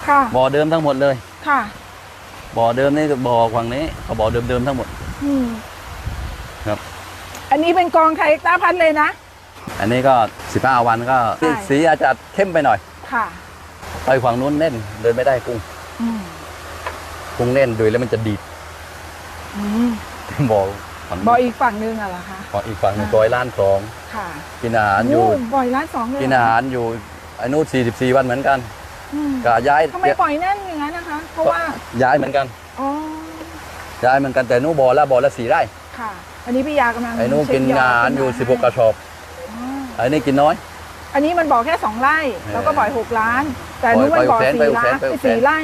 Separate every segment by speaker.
Speaker 1: ค่ะ
Speaker 2: บ่อเดิมทั้งหมดเลย
Speaker 1: ค่ะ
Speaker 2: บ่อเดิมนี่บ่อฝั่งนี้เขาบ่อเดิมทั้งหมดครับ
Speaker 1: อันนี้เป็นกองไทยตาพัดเลยนะ
Speaker 2: อันนี้ก็15 วันก็สีอาจจะเข้มไปหน่อย
Speaker 1: ค่ะ
Speaker 2: ไปฝั่งนู้นเล่นเดินไม่ได้กุ้งเล่นโดยแล้วมันจะดีด
Speaker 1: บ่ออีกฝั่งนึงอะเหรอคะ
Speaker 2: บ่ออีกฝั่งนึงบ่อย1.2
Speaker 1: ค่ะ
Speaker 2: กินอาหารอยู่
Speaker 1: บ่อย1.2เลย
Speaker 2: กินอาหารอยู่ไอ้นู้น44 วันเหมือนกันก็ย้าย
Speaker 1: ทำไมปล่อยนั่นอย่างนั้นนะคะเพราะว่า
Speaker 2: ย้ายเหมือนกันย้ายเหมือนกันแต่นู้นบ่อละ4 ไร่
Speaker 1: ค่ะอันนี้พี่ยากำลัง
Speaker 2: ไอ้นู้นกินอาหารอยู่16 กระสอบไอ้นี่กินน้อย
Speaker 1: อันนี้มันบ่อแค่2 ไร่แล้วก็บ่อย6 ล้านแต่นู้นมันบ่อ4 ไร่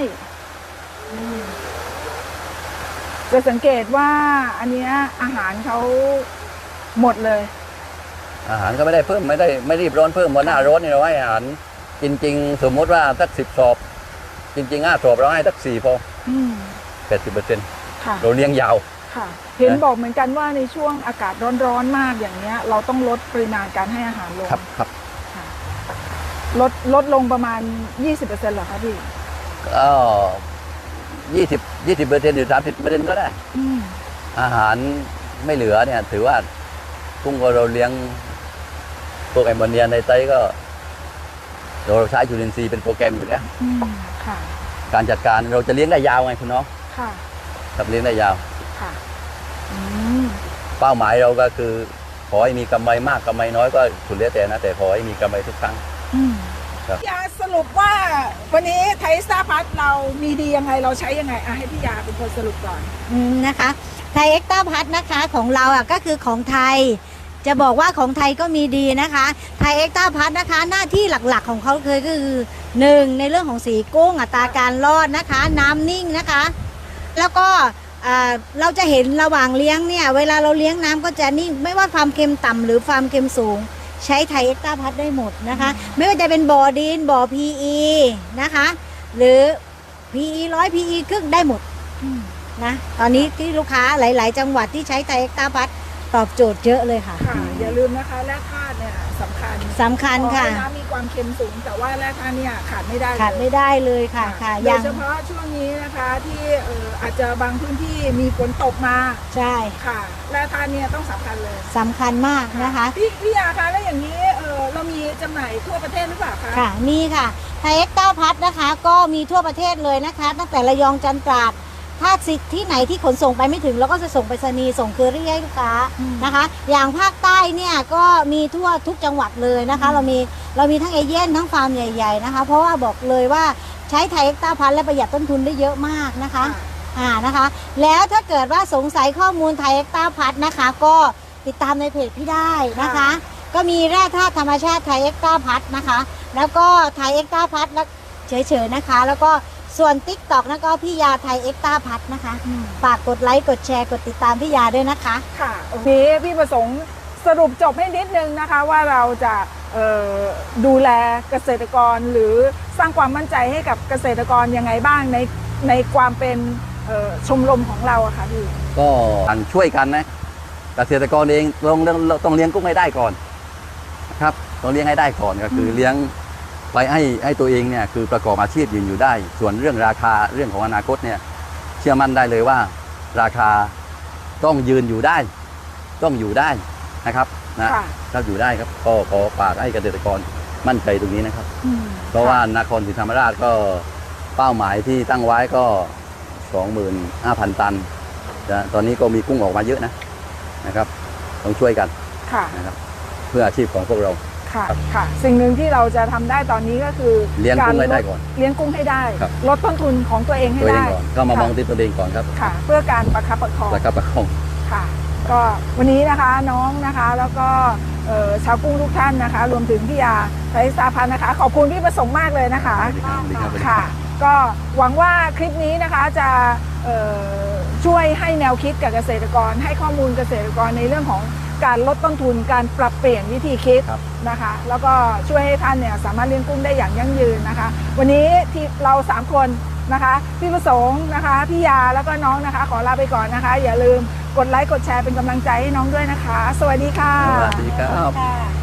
Speaker 1: จะสังเกตว่าอันนี้อาหารเขาหมดเลย
Speaker 2: อาหารก็ไม่ได้เพิ่มไม่รีบร้อนเพิ่มวันหน้าร้อนนี่เราให้อาหารจริงๆสมมติว่าสัก10 สอบจริงๆ5 สอบเราให้สัก4 พอ80%เราเลี้ยงยาว
Speaker 1: ค่ะเห็นบอกเหมือนกันว่าในช่วงอากาศร้อนๆมากอย่างเนี้ยเราต้องลดปริมาณการให้อาหารลง
Speaker 2: ครับ
Speaker 1: ลดลงประมาณ 20% เหรอคะพี่
Speaker 2: ก็20% หรือ 30% ก็ได้อาหารไม่เหลือเนี่ยถือว่ากุ้งเราเลี้ยงพวกแอมโมเนียในไตก็เราใช้จุลินทรีย์เป็นโปรแกรมอยู่แล้วการจัดการเราจะเลี้ยงได้ยาวไงคุณน้องครับเลี้ยงได้ยาวเป้าหมายเราก็คือขอให้มีกำไรมากกำไรน้อยก็สุดแล้วแต่นะแต่ขอให้มีกำไรทุกครั้ง
Speaker 1: พี่ยาสรุปว่าวันนี้ไทยสตาร์พัทเรามีดียังไงเราใช้ยังไงให้พี่ยาเป็นคนสรุปก่อน
Speaker 3: นะคะไทยเอ็กซ์ต้าพัทนะคะของเราก็คือของไทยจะบอกว่าของไทยก็มีดีนะคะไทยเอ็กซ์ต้าพัทนะคะหน้าที่หลักๆของเขาคือ1ในเรื่องของสีกุ้งอัตราการรอดนะคะน้ำนิ่งนะคะแล้วก็เราจะเห็นระหว่างเลี้ยงเนี่ยเวลาเราเลี้ยงน้ำก็จะนิ่งไม่ว่าความเค็มต่ำหรือความเค็มสูงใช้ไทยเอ็กซ์ต้าพัทได้หมดนะคะไม่ว่าจะเป็นบ่อดินบ่อ PE นะคะหรือ PE 100 PE ครึ่งได้หมดนะตอนนี้ที่ลูกค้าหลายๆจังหวัดที่ใช้ไทยเอ็กซ์ต้าพัทตอบโจทย์เยอะเลยค่ะ
Speaker 1: อย่าลืมนะคะแร่ธาตุเนี่ยสำคัญค่ะน้ำมีความเค็มสูงแต่ว่าแร่ธาตุเนี่ยขาดไม่ได้
Speaker 3: เลยค่ะ
Speaker 1: โดยเฉพาะช่วงนี้นะคะที่อาจจะบางพื้นที่มีฝนตกมา
Speaker 3: ใช่
Speaker 1: ค่ะแร่ธาตุเนี่ยต้องสำคัญเลย
Speaker 3: สำคัญมากนะคะ
Speaker 1: พี่ยาคะแล้วอย่างนี้เรามีจำหน่ายทั่วประเทศหรือเปล่าคะ
Speaker 3: ค่ะมีค่ะไทยเอ็กซ์ต้าพัทนะคะก็มีทั่วประเทศเลยนะคะตั้งแต่ระยองจันทร์ตราดถ้าที่ไหนที่ขนส่งไปไม่ถึงเราก็จะส่งไปรษณีย์ส่งเคอรี่ให้ลูกค้านะคะอย่างภาคใต้เนี่ยก็มีทั่วทุกจังหวัดเลยนะคะเรามีทั้งเอเย่นทั้งฟาร์มใหญ่ๆนะคะเพราะว่าบอกเลยว่าใช้ไทยเอ็กซ์ต้าพัทและประหยัดต้นทุนได้เยอะมากนะคะนะคะแล้วถ้าเกิดว่าสงสัยข้อมูลไทยเอ็กซ์ต้าพัทนะคะก็ติดตามในเพจพี่ได้นะคะก็มีแร่ธาตุธรรมชาติไทยเอ็กซ์ต้าพัทนะคะแล้วก็ไทยเอ็กซ์ต้าพัทเฉยๆนะคะแล้วก็ส่วน TikTok นะก็พี่ยาไทยเอ็กซ์ต้าพัทนะคะฝากกดไลค์กดแชร์กดติดตามพี่ยาด้วยนะคะ
Speaker 1: ค่ะโอเคพี่ประสงค์สรุปจบให้นิดนึงนะคะว่าเราจะดูแลเกษตรกรหรือสร้างความมั่นใจให้กับเกษตรกรยังไงบ้างในความเป็นชมรมของเราอะค่ะพี่
Speaker 2: ก็ช่วยกันนะเกษตรกรเองต้องเลี้ยงกุ้งให้ได้ก่อนนะครับต้องเลี้ยงให้ได้ก่อนก็คือเลี้ยงไปให้ตัวเองเนี่ยคือประกอบอาชีพยืนอยู่ได้ส่วนเรื่องราคาเรื่องของอนาคตเนี่ยเชื่อมั่นได้เลยว่าราคาต้องยืนอยู่ได้ต้องอยู่ได้นะครับถ้าอยู่ได้ครับก็ขอฝากให้เกษตรกรมั่นใจตรงนี้นะครับเพราะว่านครศรีธรรมราชก็เป้าหมายที่ตั้งไว้ก็ 25,000 ตันตอนนี้ก็มีกุ้งออกมาเยอะนะครับต้องช่วยกันนะครับเพื่ออาชีพของพวกเรา
Speaker 1: ค่ะสิ่งหนึ่งที่เราจะทำได้ตอนนี้ก็คือ
Speaker 2: เลี้ยงกุ้งให้ได้ก่อน
Speaker 1: เลี้ยงกุ้งให้ได้ลดต้นทุนของตัวเองให้ได้
Speaker 2: ก็มามองที่ตัวเองก่อนครับ
Speaker 1: ค่ะเพื่อการประคับประคองค่ะก็วันนี้นะคะน้องนะคะแล้วก็ชาวกุ้งทุกท่านนะคะรวมถึงพี่ยาไทยสตาร์พัทนะคะขอบคุณพี่ประสงค์มากเลยนะคะค่ะก็หวังว่าคลิปนี้นะคะจะช่วยให้แนวคิดกับเกษตรกรให้ข้อมูลเกษตรกรในเรื่องของการลดต้นทุนการปรับเปลี่ยนวิธีคิดนะคะแล้วก็ช่วยให้ท่านเนี่ยสามารถเลี้ยงกุ้งได้อย่างยั่งยืนนะคะวันนี้ที่เรา3 คนนะคะพี่ประสงค์นะคะพี่ยาแล้วก็น้องนะคะขอลาไปก่อนนะคะอย่าลืมกดไลค์กดแชร์เป็นกำลังใจให้น้องด้วยนะคะสวัสดีค่ะ
Speaker 2: สวัสดีครับ